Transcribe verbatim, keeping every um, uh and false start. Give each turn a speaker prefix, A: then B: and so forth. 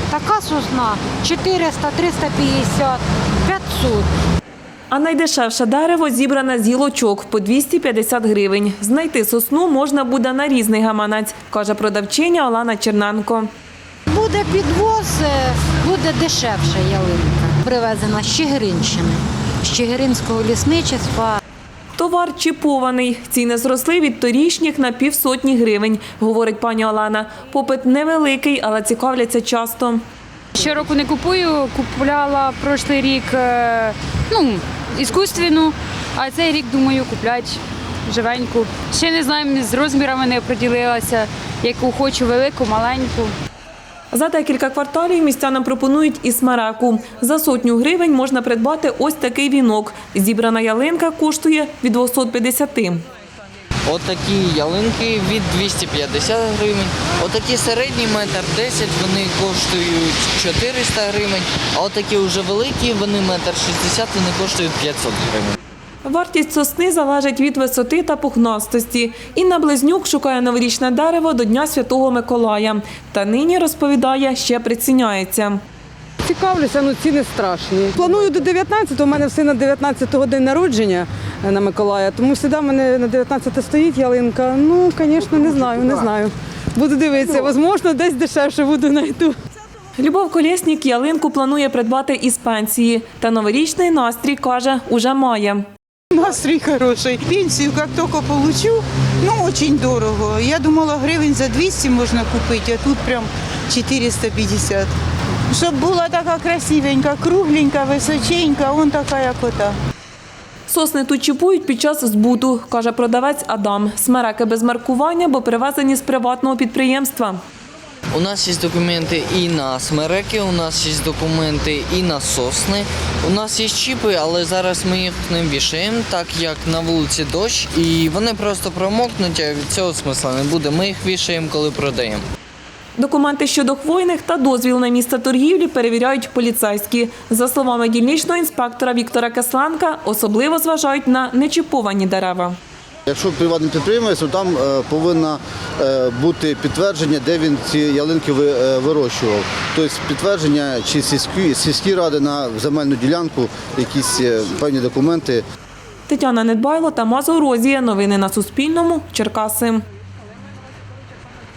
A: Така сосна чотириста, триста п'ятдесят, п'ятсот.
B: А найдешевше дерево зібране з гілочок по двісті п'ятдесят гривень. Знайти сосну можна буде на різний гаманець, каже продавчиня Олена Черненко.
A: Буде підвоз, буде дешевша ялинка. Привезена з Чигиринщини, з Чигиринського лісничества.
B: Товар чіпований. Ціни зросли від торішніх на півсотні гривень, говорить пані Олена. Попит невеликий, але цікавляться часто.
C: Щороку не купую, купувала прошлий рік е, ну, іскусственну, а цей рік, думаю, куплять живеньку. Ще не знаю, з розмірами не оприділилася, яку хочу, велику, маленьку.
B: За декілька кварталів містянам пропонують і смереку. За сотню гривень можна придбати ось такий вінок. Зібрана ялинка коштує від двохсот п'ятдесяти.
D: От такі ялинки від двохсот п'ятдесят гривень. Отакі середні метр десять, вони коштують чотириста гривень, а отакі вже великі, вони метр шістдесят, вони коштують п'ятсот гривень.
B: Вартість сосни залежить від висоти та пухнастості. Інна Близнюк шукає новорічне дерево до Дня Святого Миколая. Та нині, розповідає, ще приціняється.
E: Цікавлюся, ну ціни страшні. Планую до дев'ятнадцятого, у мене в сина дев'ятнадцятого день народження на Миколая, тому завжди в мене на дев'ятнадцяте стоїть ялинка. Ну, звісно, не знаю, не знаю. Буду дивитися, можливо, десь дешевше буду знайду.
B: Любов Колєснік ялинку планує придбати із пенсії. Та новорічний настрій, каже, уже має.
F: Настрій хороший. Пенсію, як тільки получу, ну, дуже дорого. Я думала, гривень за двісті можна купити, а тут прям чотириста п'ятдесят. Щоб була така красивенька, кругленька, височенька, вон така, як ота.
B: Сосни тут чіпують під час збуту, каже продавець Адам. Смереки без маркування, бо привезені з приватного підприємства.
D: У нас є документи і на смереки, у нас є документи і на сосни. У нас є чіпи, але зараз ми їх не вішаємо, так як на вулиці дощ, і вони просто промокнуть, а від цього смисла не буде. Ми їх вішаємо, коли продаємо.
B: Документи щодо хвойних та дозвіл на місце торгівлі перевіряють поліцейські. За словами дільничного інспектора Віктора Кисленка, особливо зважають на нечіповані дерева.
G: Якщо приватний підприємець, то там повинно бути підтвердження, де він ці ялинки вирощував. Тобто підтвердження, чи сільські, сільські ради на земельну ділянку, якісь певні документи.
B: Тетяна Недбайло, Тамас Горозія. Новини на Суспільному. Черкаси.